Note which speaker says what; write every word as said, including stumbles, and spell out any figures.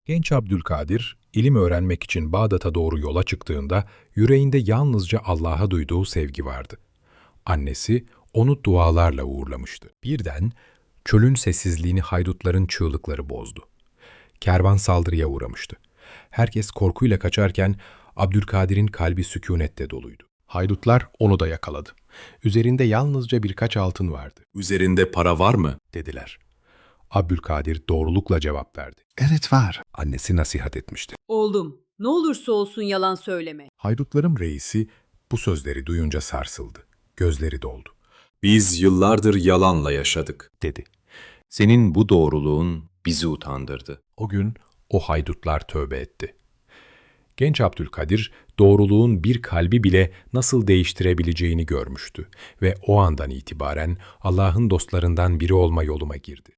Speaker 1: Genç Abdülkadir, ilim öğrenmek için Bağdat'a doğru yola çıktığında yüreğinde yalnızca Allah'a duyduğu sevgi vardı. Annesi onu dualarla uğurlamıştı. Birden çölün sessizliğini haydutların çığlıkları bozdu. Kervan saldırıya uğramıştı. Herkes korkuyla kaçarken Abdülkadir'in kalbi sükûnette doluydu. Haydutlar onu da yakaladı. Üzerinde yalnızca birkaç altın vardı.
Speaker 2: "Üzerinde para var mı?"
Speaker 1: Dediler. Abdülkadir doğrulukla cevap verdi.
Speaker 3: Evet var.
Speaker 1: Annesi nasihat etmişti.
Speaker 4: Oğlum, ne olursa olsun yalan söyleme.
Speaker 1: Haydutların reisi bu sözleri duyunca sarsıldı. Gözleri doldu.
Speaker 2: "Biz yıllardır yalanla yaşadık,"
Speaker 1: Dedi.
Speaker 2: "Senin bu doğruluğun bizi utandırdı."
Speaker 1: O gün o haydutlar tövbe etti. Genç Abdülkadir, doğruluğun bir kalbi bile nasıl değiştirebileceğini görmüştü ve o andan itibaren Allah'ın dostlarından biri olma yoluma girdi.